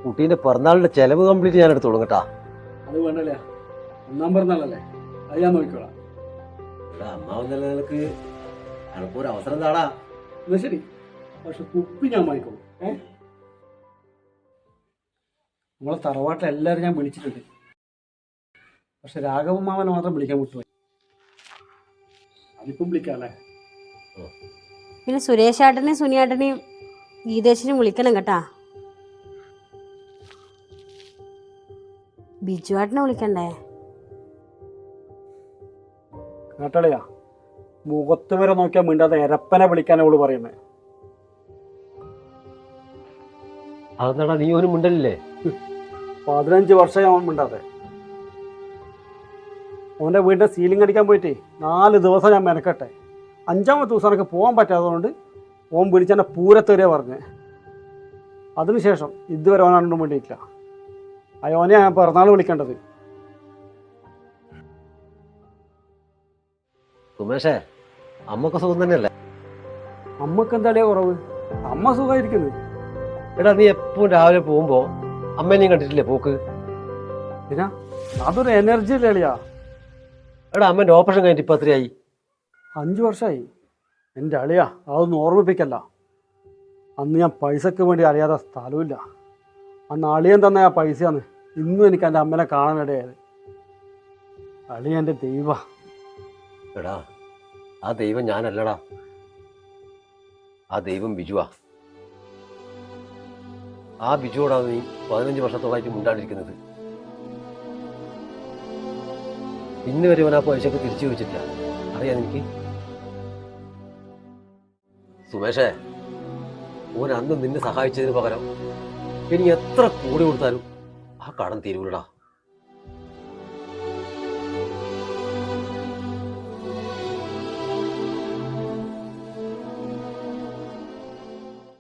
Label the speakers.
Speaker 1: കുട്ടീന്റെ പിറന്നാളിന്റെ ചെലവ് കംപ്ലീറ്റ് ഞാൻ എടുത്തോളും കേട്ടാ.
Speaker 2: അത് വേണ്ടല്ലേ, ഒന്നാം പിറന്നാളല്ലേ, അത് ഞാൻ നോക്കിക്കോളാം.
Speaker 1: അമ്മാവെന്ന നിലക്ക് എനക്കൊരു അവസരം താടാ.
Speaker 2: എന്നാ ശരി, പക്ഷെ കുപ്പി ഞാൻ വാങ്ങിക്കോളൂ. നമ്മളെ തറവാട്ടിൽ എല്ലാവരും ഞാൻ വിളിച്ചിട്ടുണ്ട്, പക്ഷെ രാഘവൻ മാമനെ മാത്രം വിളിക്കാൻ വിട്ടുപോയി. അതിപ്പം വിളിക്കാം അല്ലേ?
Speaker 3: പിന്നെ സുരേഷേട്ടനെയും സുനിയേട്ടനെയും ഗീതേശിനെയും വിളിക്കണം കേട്ടാ. ബിജുവേട്ടനെ വിളിക്കണ്ടേ?
Speaker 2: കേട്ടളിയാ, മുഖത്ത് വരെ നോക്കിയാൽ മിണ്ടാതെ എരപ്പനെ വിളിക്കാനാ അവള് പറയുന്നത്.
Speaker 1: അതെന്താടാ നീ ഒരു മിണ്ടലില്ലേ?
Speaker 2: 15 വർഷമായി അവൻ മിണ്ടാതെ. അവൻ്റെ വീടിൻ്റെ സീലിംഗ് അടിക്കാൻ പോയിട്ടേ 4 ദിവസം ഞാൻ മെനക്കട്ടെ. 5ാമത്തെ ദിവസം എനിക്ക് പോകാൻ പറ്റാത്തതുകൊണ്ട് ഓൻ പിടിച്ചെന്നെ പൂരത്തേരെ പറഞ്ഞ്. അതിനുശേഷം ഇതുവരെ ഓനാണ്ടും വേണ്ടിയിട്ടില്ല. അയോനെ ഞാൻ പിറന്നാൾ വിളിക്കേണ്ടത്.
Speaker 1: സുമേഷേ, അമ്മക്ക് സുഖം തന്നെയല്ലേ?
Speaker 2: അമ്മക്ക് എന്താളിയാ കുറവ്? അമ്മ സുഖമായിരിക്കുന്നത്.
Speaker 1: എടാ നീ എപ്പോഴും രാവിലെ പോകുമ്പോ അമ്മേനെയും കണ്ടിട്ടില്ലേ പോക്ക്?
Speaker 2: പിന്നെ അതൊരു എനർജി അല്ലേ അളിയാ?
Speaker 1: എടാ അമ്മേന്റെ ഓപ്പറേഷൻ കഴിഞ്ഞിട്ട് ഇപ്പൊ എത്രയായി?
Speaker 2: 5 വർഷമായി. എൻ്റെ അളിയാ, അതൊന്നും ഓർമ്മിപ്പിക്കല്ല. അന്ന് ഞാൻ പൈസക്ക് വേണ്ടി അറിയാത്ത സ്ഥലമില്ല. അന്ന് അളിയൻ തന്ന ആ പൈസയാണ് ഇന്നും എനിക്ക് എൻ്റെ അമ്മനെ കാണാനിടയായത്. അളിയ എൻ്റെ ദൈവ.
Speaker 1: എടാ ആ ദൈവം ഞാനല്ലടാ, ആ ദൈവം ബിജുവാ. ആ ബിജുവോടാണ് നീ 15 വർഷത്തോളായിട്ട് മുണ്ടാണ്ടിരിക്കുന്നത്. ഇന്ന് വരെ അവൻ ആ പൈസക്ക് തിരിച്ചു ചോദിച്ചിട്ടില്ല, അറിയാം എനിക്ക്. സുമേഷേ, ഓൻ അന്ന് നിന്നെ സഹായിച്ചതിന് പകരം ഇനി എത്ര കൂടി കൊടുത്താലും ആ കടം തീരൂലടാ.